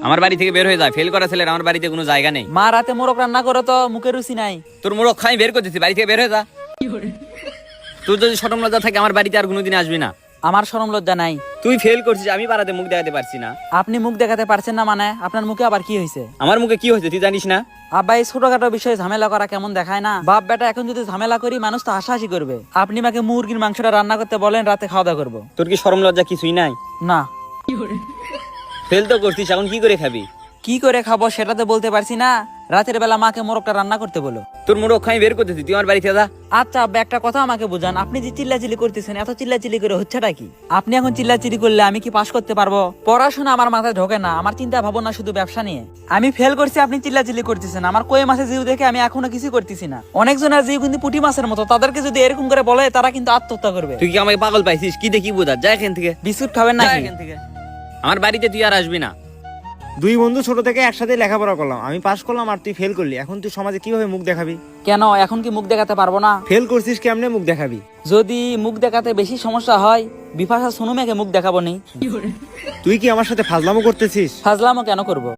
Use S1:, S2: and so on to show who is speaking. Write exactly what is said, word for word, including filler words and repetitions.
S1: আমার বাড়ি থেকে বের হয়ে যায়। ফেল করা ছেলের আমার বাড়িতে কোনো জায়গা নেই।
S2: মা রাতে মোরগ রান্না করে তো মুখে রুচি নাই।
S1: তোর মোড়ক খাই বের করতেছি, বাড়ি থেকে বের হয়ে যা। তোর যদি শরম লজ্জা থাকে আমার বাড়িতে আর কোনোদিন আসবি না।
S2: আমার শরম লজ্জা নাই।
S1: তুই ফেল করছিস, আমি পাড়াতে মুখ দেখাতে পারছি না।
S2: আপনি মুখ দেখাতে পারছেন না মানে আপনার মুখে আবার কি হয়েছে?
S1: আমার মুখে কি হয়েছে তুই জানিস না?
S2: আব্বা এই ছোটখাটো বিষয়ে ঝামেলা করা কেমন দেখায় না? বাপ বেটা এখন যদি ঝামেলা করি মানুষ তো হাসাহাসি করবে। আপনি মাকে মুরগির মাংসটা রান্না করতে বলেন, রাতে খাওয়া দাওয়া করবো।
S1: তোর কি শরম লজ্জা কিছুই নাই?
S2: না।
S1: ফেল তো করছিস, এখন কি করে খাবি?
S2: কি করে খাবো সেটা তো বলতে পারছি না। রাতের বেলা মাকে মোরগটা রান্না করতে বলো।
S1: তোর মোড়ক খাই বের করতেছি, তুই আমার বাড়িতে যা।
S2: আচ্ছা আব্বা একটা কথা আমাকে বুঝান, আপনি যে চিল্লাচিল্লি করতেছেন, এত চিল্লাচিল্লি করে হচ্ছেটা কি? আপনি এখন চিল্লাচিল্লি করলে আমি কি পাস করতে পারবো? পড়াশোনা আমার মাথায় ঢোকে না, আমার চিন্তা ভাবনা শুধু ব্যবসা নিয়ে। আমি ফেল করছি, আপনি চিল্লাচিল্লি করতেছেন। আমার কই মাছের জিউ দেখে আমি এখনো কিছু করতেছি না। অনেকজনের জিউ কিন্তু পুঁটি মাছের মতো, তাদেরকে যদি এরকম করে বলে তারা কিন্তু আত্মহত্যা করবে।
S1: তুই কি আমাকে পাগল পাইছিস? কি দেখি বোঝা, যা এখান থেকে।
S2: বিস্কুট খাবেন না?
S1: যা এখান থেকে, আমার বাড়িতে তুই আর আসবি না।
S3: দুই বন্ধু ছোট থেকে একসাথে লেখাপড়া করলাম, আমি পাস করলাম আর তুই ফেল করলি। এখন তুই সমাজে কিভাবে মুখ দেখাবি?
S2: কেন এখন কি মুখ দেখাতে পারবো না?
S3: ফেল করছিস কেমনে মুখ দেখাবি?
S2: যদি মুখ দেখাতে বেশি সমস্যা হয় বিপাশা সোনুমেকে মুখ দেখাবো নি।
S3: তুই কি আমার সাথে ফাজলামো করতেছিস?
S2: ফাজলামও কেন করবো?